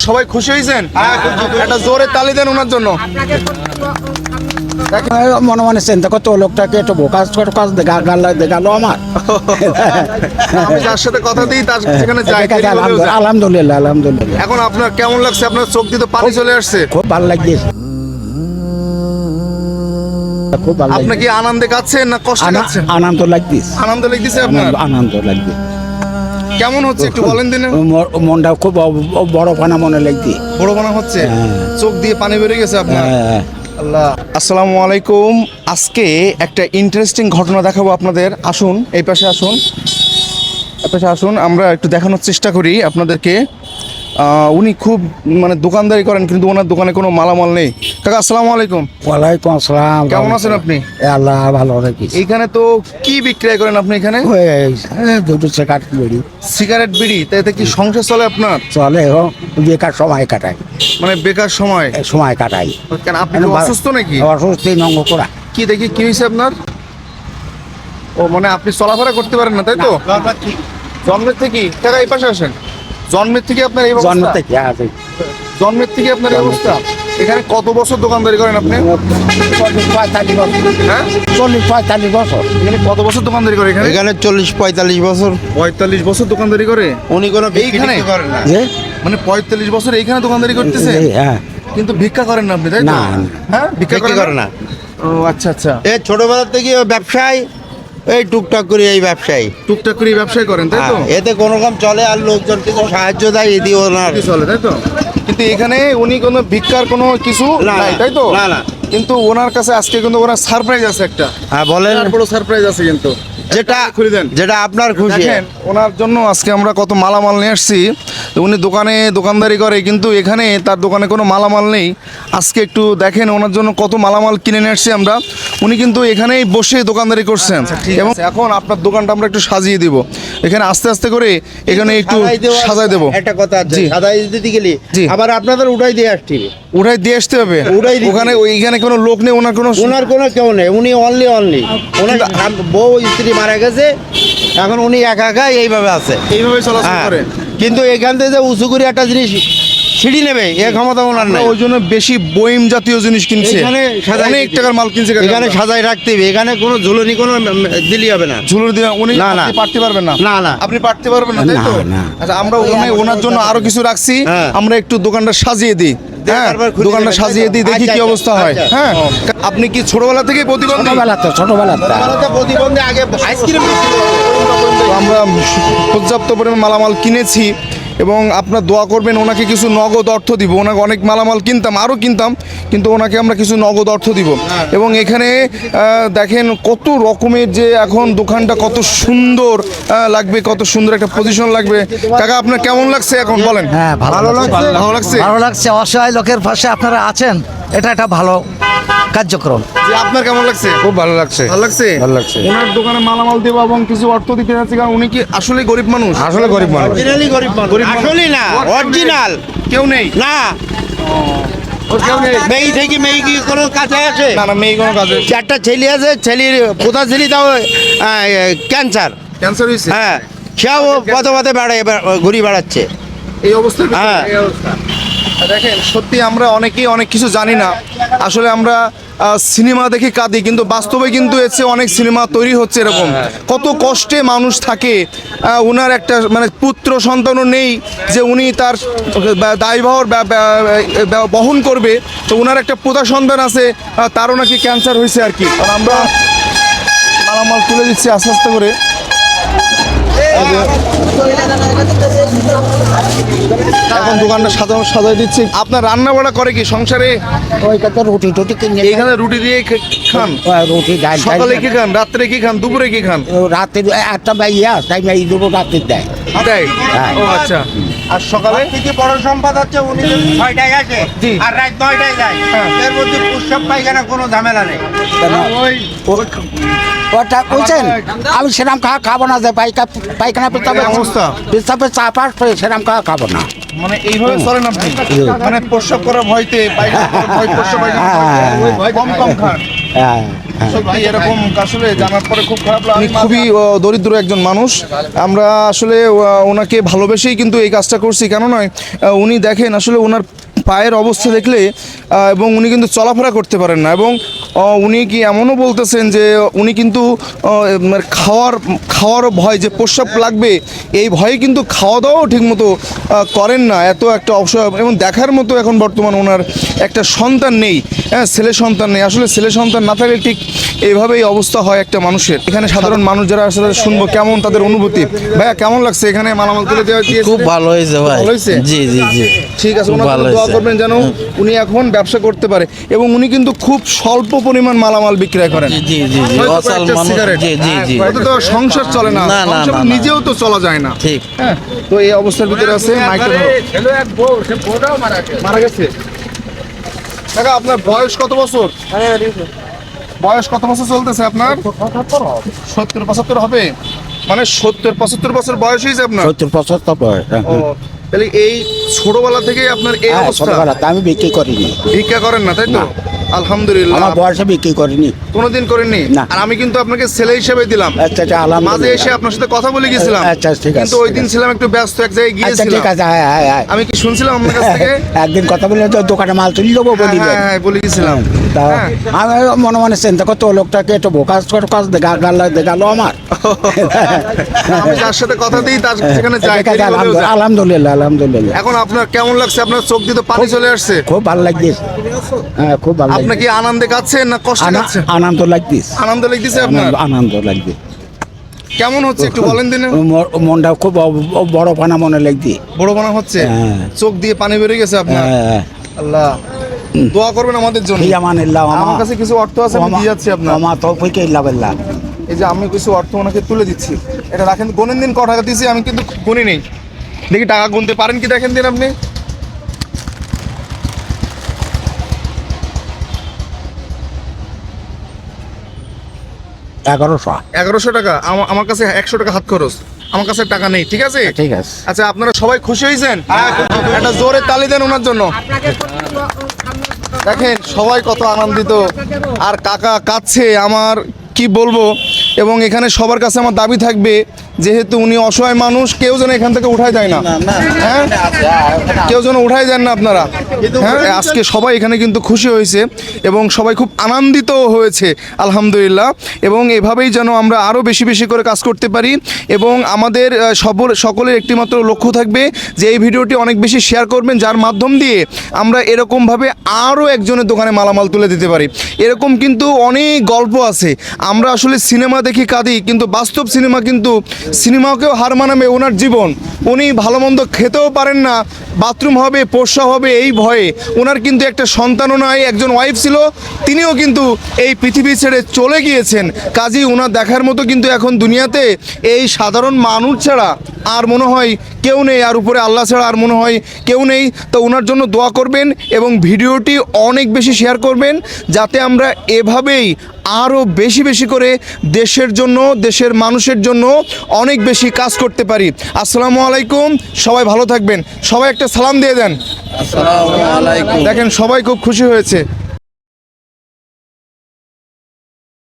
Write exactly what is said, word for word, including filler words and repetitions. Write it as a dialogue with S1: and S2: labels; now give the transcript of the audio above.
S1: সবাই খুশি হয়েছেন? একটা জোরে তালি দেন ওনার জন্য।
S2: মনে মনে চিন্তা করতো লোকটাকে একটু বোকাজ করে কাজ গেল আমার।
S1: আমি যার সাথে কথা দিই তার সেখানে যাই।
S2: আলহামদুলিল্লাহ আলহামদুলিল্লাহ।
S1: এখন আপনার কেমন লাগছে? আপনার চোখ দিয়ে তো পানি চলে আসছে।
S2: খুব ভালো লাগছে, খুব ভালো।
S1: আপনি কি আনন্দে কাচ্ছেন না কষ্টে কাচ্ছেন?
S2: আনন্দ লাগতেছে,
S1: আনন্দ লাগতেছে আপনার?
S2: আনন্দ লাগছে।
S1: কেমন হচ্ছে একটু বলেন দিন।
S2: মনটা খুব বড় পানা মনে লাগছে,
S1: বড় পানা হচ্ছে, চোখ দিয়ে পানি বেরিয়ে গেছে আপনার। আল্লাহ। আসসালামু আলাইকুম। আজকে একটা ইন্টারেস্টিং ঘটনা দেখাবো আপনাদের। আসুন এই পাশে আসুন, এই পাশে আসুন, আমরা একটু দেখানোর চেষ্টা করি আপনাদেরকে। উনি খুব মানে দোকানদারি করেন কিন্তু ওনার দোকানে কোনো মালামাল নেই। কাকা আসসালামু আলাইকুম।
S2: ওয়ালাইকুম আসসালাম।
S1: কেমন আছেন আপনি?
S2: আল্লাহ ভালো রাখি।
S1: এইখানে তো কি বিক্রয় করেন আপনি এখানে?
S2: দুটো সিগারেট বিড়ি।
S1: সিগারেট বিড়ি? তাইতে কি সংসার চলে আপনার?
S2: চলে, ও বেকার সময় কাটাই।
S1: মানে বেকার সময়
S2: সময় কাটাই।
S1: কেন আপনি কি অসুস্থ নাকি?
S2: অসুস্থ নঙ্গ করা।
S1: কি দেখি কি হয়েছে আপনার? ও মানে আপনি চলাফেরা করতে পারেন না তাই তো? জন্মের থেকে? কাকা এই পাশে আসেন। জন্মের থেকে আপনার এই অবস্থা?
S2: জন্মের থেকে আছে।
S1: জন্মের থেকে আপনার এই অবস্থা? এখানে কত বছর দোকানদারি করেন আপনি?
S2: পঁয়তাল্লিশ বছর।
S1: হ্যাঁ,
S2: চল্লিশ পঁয়তাল্লিশ বছর।
S1: এখানে কত বছর দোকানদারি করে? এখানে
S3: এখানে চল্লিশ পঁয়তাল্লিশ বছর।
S1: পঁয়তাল্লিশ বছর দোকানদারি করে
S3: উনি কোনো
S1: এইখানে
S3: করেন না।
S2: যে
S1: মানে পঁয়তাল্লিশ বছর এইখানে দোকানদারি করতেছে?
S2: হ্যাঁ।
S1: কিন্তু ভিক্ষা করেন না আপনি তাই তো?
S2: না।
S1: হ্যাঁ, ভিক্ষা
S3: বিক্রি করে না।
S1: ও আচ্ছা আচ্ছা।
S3: এ ছোটবেলা থেকে ও ব্যবসায়, এই টুকটাক করে এই ব্যবসায়ী
S1: টুকটাক করে ব্যবসায় করেন তাই তো?
S3: এতে কোনো রকম চলে, আর লোকজন কিছু সাহায্য দেয় এদি ওনার
S1: কি চলে তাই তো? কিন্তু এখানে উনি কোনো ভিক্ষার কোনো কিছু
S3: না,
S1: নাই তাই তো?
S3: না না।
S1: কিন্তু ওনার কাছে আজকে কিন্তু ওনার সারপ্রাইজ আছে একটা।
S3: হ্যাঁ বলেন।
S1: বিরাট বড় সারপ্রাইজ আছে কিন্তু।
S3: যেটা
S1: খুলে দেন।
S3: যেটা আপনার খুশি।
S1: দেখেন ওনার জন্য আজকে আমরা কত মালামাল নিয়ে আসছি। তো উনি দোকানে দোকানদারি করে কিন্তু এখানে তার দোকানে কোনো মালামাল নেই। আজকে একটু দেখেন ওনার জন্য কত মালামাল কিনে নিয়ে আসছি আমরা। উনি কিন্তু এখানেই বসে দোকানদারি করছেন এবং এখন আপনার দোকানটা আমরা একটু সাজিয়ে দিব। এখানে আস্তে আস্তে করে এখানে একটু সাজাই দেবো।
S3: একটা কথা আছে,
S1: জি।
S3: সাজাই দিতে গেলে
S1: জি।
S3: আবার আপনাদের উঠাই দিয়ে আসতে হবে।
S1: উঠাই দিয়ে আসতে হবে?
S3: উঠাই দিতে
S1: ওখানে ওইখানে কোনো লোক নেই, ওনার কোনো
S3: ওনার কোনো কেউ নেই, উনি অনলি অনলি। ওনার বউ স্ত্রী মারা গেছে, এখন উনি একা একা এইভাবে আছে,
S1: এইভাবে চলাচল
S3: হ্যাঁ।
S1: করে।
S3: কিন্তু এখান থেকে যে উঁচু করে একটা জিনিস সিঁড়ি নেবে এ ক্ষমতা ওনার নাই।
S1: ওই জন্য বেশি বইম জাতীয় জিনিস কিনছে,
S3: এখানে সাজাই
S1: অনেক
S3: দিতে-
S1: টাকার মাল কিনছে।
S3: এখানে সাজাই রাখতে হবে, এখানে কোনো ঝুলনি কোনো দিলি হবে না।
S1: ঝুলুর দিয়ে উনি
S3: না, না।
S1: আপনি পারতে পারবেন না?
S3: না, না।
S1: আপনি পারতে পারবেন না তাই তো?
S2: না, না।
S1: আচ্ছা আমরা ওখানে ওনার জন্য আরো কিছু রাখছি,
S3: হ্যাঁ।
S1: আমরা একটু দোকানটা সাজিয়ে দিই। হ্যাঁ,
S3: তারপর খুলে
S1: দোকানটা
S3: দেবেন,
S1: সাজিয়ে
S3: তাই তো?
S1: দিই, দেখি
S3: আচ্ছা,
S1: কি
S3: আচ্ছা,
S1: অবস্থা হয়।
S3: আচ্ছা।
S1: হ্যাঁ, আপনি কি ছোটবেলা থেকে প্রতিবন্ধী?
S2: ছোটবেলাতে ছোটবেলাতে
S3: প্রতিবন্ধী আগে আইসক্রিম
S1: তো আমরা পর্যাপ্ত পরিমাণ মালামাল কিনেছি এবং আপনার দোয়া করবেন। ওনাকে কিছু নগদ অর্থ দিব। ওনাকে অনেক মালামাল কিনতাম, আরও কিনতাম, কিন্তু ওনাকে আমরা কিছু নগদ অর্থ দিব। এবং এখানে আহ, দেখেন কত রকমের যে এখন দোকানটা কত সুন্দর আহ, লাগবে, কত সুন্দর একটা পজিশন লাগবে। কাকা আপনার কেমন লাগছে এখন বলেন?
S4: হ্যাঁ, ভালো লাগছে।
S1: ভালো লাগছে?
S4: ভালো লাগছে। অসহায় লোকের পাশে আপনারা আছেন, এটা একটা ভালো কার্যক্রম।
S1: যে আপনার কেমন লাগছে?
S3: খুব ভালো লাগছে।
S1: ভালো লাগছে?
S3: ভালো লাগছে।
S1: ওনার দোকানে মালামাল দেবো এবং কিছু অর্থ দিতে যাচ্ছি, কারণ উনি কি আসলে গরিব মানুষ?
S3: আসলে গরিব মানুষ। অরিজিনালি গরিব মানুষ।
S1: গরিব মানুষ।
S3: আসলে না, অরিজিনাল
S1: কেউ নেই?
S3: না।
S1: ওর কেউ নেই?
S3: মেয়ে থেকে মেয়ে কি কোনো কাছে আছে?
S1: না না, মেয়ে কোনো কাজে
S3: চারটা ছেলে আছে, ছেলের প্রধান ছেলে তাও ক্যান্সার।
S1: ক্যান্সার হয়েছে?
S3: হ্যাঁ, সেও পথে পথে বেড়ায়, ঘুরি বেড়াচ্ছে।
S1: এই অবস্থায়
S3: হ্যাঁ।
S1: এই অবস্থা। দেখেন সত্যি আমরা অনেকেই অনেক কিছু জানি না। আসলে আমরা আহ, সিনেমা দেখে কাঁদি, কিন্তু বাস্তবে কিন্তু এর চেয়ে অনেক সিনেমা তৈরি হচ্ছে এরকম। কত কষ্টে মানুষ থাকে। আহ, ওনার একটা মানে পুত্র সন্তানও নেই যে উনি তার বা- দায়ভার বা- বা- বা- বহন করবে। তো ওনার একটা পোতা সন্তান আছে, আহ, তারও নাকি ক্যান্সার হয়েছে আর কি। আর আমরা মালামাল তুলে দিচ্ছি আস্তে আস্তে করে। এখন দোকানটা সাজানো সাজাই দিচ্ছি। আপনার রান্না বাড়া করে কি সংসারে?
S2: ওইটাতে রুটি টুটি কিনে
S1: এইখানে রুটি দিয়ে খে- খান?
S2: রুটি ডাল
S1: সকালে কি খান, রাত্রে কি খান, দুপুরে কি খান?
S2: রাতে একটা ইয়া তাই এই দুটো রাতে দেয়।
S1: দেয়?
S2: হ্যাঁ।
S1: ও আচ্ছা। আর সকালে?
S3: থেকে বড় সম্পদ হচ্ছে উনি যদি ছয়টায় আসে
S1: জি।
S3: আর রাত নয়টায় যায়,
S1: হ্যাঁ।
S3: এর মধ্যে প্রস্রাব পায়খানা কোনো ঝামেলা নেই।
S2: ওটা বলছেন আমি সেরাম খাওয়া খাবো না, যে পাইকা পায়খানা পেছাবে
S1: এই অবস্থা?
S2: পেছাবে চাপ আসবে, সেরাম খাওয়া খাবো না।
S1: মানে এইভাবে চলেন আপনি? মানে প্রস্রাব করার ভয়তে, পায়খানা করার ভয়, প্রস্রাব পায়খানা করার ভয়, কম কম খান।
S2: হ্যাঁ।
S1: সত্যি এরকম আসলে জানার পরে খুব খারাপ লাগে। উনি খুবই আহ, দরিদ্র একজন মানুষ। আমরা আসলে আহ, ওনাকে ভালোবেসেই কিন্তু এই কাজটা করছি, কেন নয় আহ, উনি দেখেন আসলে ওনার পায়ের অবস্থা দেখলে আহ, এবং উনি কিন্তু চলাফেরা করতে পারেন না, এবং আহ, উনি কি এমনও বলতেছেন যে উনি কিন্তু আহ, মানে খাওয়ার খাওয়ারও ভয়, যে প্রস্রাব লাগবে এই ভয়ে কিন্তু খাওয়া দাওয়াও ঠিকমতো আহ, করেন না, এত একটা অসহায়। এবং দেখার মতো এখন বর্তমান ওনার একটা সন্তান নেই, হ্যাঁ ছেলে সন্তান নেই। আসলে ছেলে সন্তান না থাকলে ঠিক এইভাবেই অবস্থা হয় একটা মানুষের। এখানে সাধারণ মানুষ যারা আসলে শুনবো কেমন তাদের অনুভূতি। ভাইয়া কেমন লাগছে এখানে মালামাল তুলে দেওয়া দিয়েছে?
S5: খুব ভালো হয়েছে ভাই।
S1: ভালো হয়েছে?
S5: জি জি জি
S1: ঠিক আছে,
S5: খুব
S1: ওনার
S5: ভালো
S1: জন্য দোয়া
S5: হয়েছে।
S1: করবেন যেন উনি এখন ব্যবসা করতে পারে, এবং উনি কিন্তু খুব স্বল্প পরিমাণ মালামাল বিক্রয় করেন।
S5: জি জি জি জি
S1: হয়তো
S5: অসাল
S1: কয়েকটা
S5: মানুষ।
S1: সিগারেট।
S5: জি জি জি
S1: এতে তো সংসার চলে না,
S5: না, না,
S1: সংসার
S5: না, না।
S1: নিজেও তো চলা যায় না।
S5: ঠিক।
S1: হ্যাঁ, তো এই অবস্থার ভিতরে আছে। মাইকটা ধরো। মারা গেছে। কাকা আপনার বয়স কত বছর? বয়স কত বছর চলতেছে আপনার? সত্তর পঁচাত্তর হবে, মানে সত্তর পঁচাত্তর বছর বয়স হয়েছে আপনার?
S2: সত্তর পঁচাত্তর বয়স, হ্যাঁ।
S1: ও, তাহলে এই ছোটবেলা থেকে আপনার এই
S2: হ্যাঁ,
S1: অবস্থা।
S2: ছোটবেলাতে আমি বিক্রি করিনি,
S1: ভিক্ষা করেন না, তাই তো? আলহামদুলিল্লাহ।
S2: আমার বয়সে বিক্রি করিনি।
S1: কোনোদিন করেননি?
S2: না।
S1: আর আমি কিন্তু আপনাকে ছেলে হিসেবে দিলাম।
S2: আচ্ছা আচ্ছা,
S1: মাঝে
S2: আলহামদুলিল্লাহ।
S1: এসে আপনার সাথে কথা বলে গেছিলাম।
S2: আচ্ছা, ঠিক আছে,
S1: কিন্তু ওই
S2: ঠিক
S1: দিন
S2: আছে।
S1: ছিলাম একটু ব্যস্ত, এক জায়গায়
S2: আচ্ছা
S1: গিয়েছিলাম।
S2: ঠিক আছে, হ্যাঁ হ্যাঁ হ্যাঁ।
S1: আমি কি শুনছিলাম আপনার কাছ থেকে?
S2: একদিন কথা বলে তো দোকানে মাল তুলি দেবো বলি
S1: হ্যাঁ, হ্যাঁ, হ্যাঁ, বলে গেছিলাম।
S2: তা
S1: হ্যাঁ।
S2: আমি মনে মনে চিন্তা করতো ও লোকটাকে একটু বোকাস কাজ দেখা গেল আমার।
S1: আমি যার সাথে কথা দিই তার সেখানে যাই,
S2: ঠিক আছে,
S1: দেরি হলেও যাই।
S2: আলহামদুলিল্লাহ আলহামদুলিল্লাহ।
S1: এখন আপনার কেমন লাগছে? আপনার চোখ দিয়ে তো পানি চলে আসছে।
S2: খুব ভালো লাগছে, হ্যাঁ খুব ভালো
S1: আপনি
S2: লাগছে।
S1: কি আনন্দে কাচ্ছেন না কষ্টে
S2: আনা-
S1: কাচ্ছেন?
S2: আনন্দ লাগতিস,
S1: আনন্দ লাগতেছে আপনার?
S2: আনন্দ- আনন্দ লাগছে।
S1: কেমন হচ্ছে একটু বলেন দিন।
S2: ম- মনটা খুব অ- বড় পানা মনে লাগছে।
S1: বড় মনে হচ্ছে?
S2: হ্যাঁ।
S1: চোখ দিয়ে পানি বেরিয়ে গেছে আপনার?
S2: হ্যাঁ।
S1: আল্লাহ, দোয়া করবেন আমাদের জন্য।
S2: ফি আমানিল্লাহ,
S1: আমার
S2: আমা-
S1: কাছে কিছু অর্থ আছে, আমি
S2: আমা-
S1: দিয়ে যাচ্ছি আপনার।
S2: আমা তৌফিকে ইল্লা বিল্লাহ।
S1: এই যে আমি কিছু অর্থ ওনাকে তুলে দিচ্ছি, এটা রাখেন। গুনেন দিন ক টাকা দিয়েছি, আমি কিন্তু গুনি নেই। দেখি টাকা গুনতে পারেন কি, দেখেন দিন আপনি।
S2: এগারোশো।
S1: এগারোশো টাকা। আমা- আমার কাছে একশো টাকা হাত খরচ, আমার কাছে টাকা নেই, ঠিক আছে?
S2: ঠিক আছে।
S1: আচ্ছা, আপনারা সবাই খুশি হয়েছেন? একটা জোরে তালি দেন ওনার জন্য। দেখেন সবাই কত আনন্দিত, আর কাকা কাঁদছে, আমার কি বলবো। এবং এখানে সবার কাছে আমার দাবি থাকবে, যেহেতু উনি অসহায় মানুষ, কেউ যেন এখান থেকে উঠায় যায় না, হ্যাঁ কেউ যেন উঠায় যান না আপনারা। হ্যাঁ, আজকে সবাই এখানে কিন্তু খুশি হয়েছে এবং সবাই খুব আনন্দিত হয়েছে, আলহামদুলিল্লাহ। এবং এভাবেই যেন আমরা আরও বেশি বেশি করে কাজ করতে পারি, এবং আমাদের আহ, সবর সকলের একটিমাত্র লক্ষ্য থাকবে যে এই ভিডিওটি অনেক বেশি শেয়ার করবেন, যার মাধ্যম দিয়ে আমরা এরকমভাবে আরও একজনের দোকানে মালামাল তুলে দিতে পারি। এরকম কিন্তু অনেক গল্প আছে। আমরা আসলে সিনেমা দেখি কাঁদি, কিন্তু বাস্তব সিনেমা কিন্তু সিনেমাকেও হার মানাবে ওনার জীবন। উনি ভালো মন্দ খেতেও পারেন না, বাথরুম হবে, পোষা হবে এই ভয়ে। ওনার কিন্তু একটা সন্তানও নয়, একজন ওয়াইফ ছিল, তিনিও কিন্তু এই পৃথিবী ছেড়ে চলে গিয়েছেন। কাজী ওনার দেখার মতো কিন্তু এখন দুনিয়াতে এই সাধারণ মানুষ ছাড়া আর মনে হয় কেউ নেই, আর উপরে আল্লাহ ছাড়া আর মনে হয় কেউ নেই। তো ওনার জন্য দোয়া করবেন এবং ভিডিওটি অনেক বেশি শেয়ার করবেন, যাতে আমরা এভাবেই আরও বেশি বেশি করে দেশের জন্য, দেশের মানুষের জন্য অনেক বেশি কাজ করতে পারি। আসসালামু আলাইকুম, সবাই ভালো থাকবেন। সবাই একটা সালাম দিয়ে দেন।
S5: আসসালামু আলাইকুম।
S1: দেখেন সবাই খুব খুশি হয়েছে।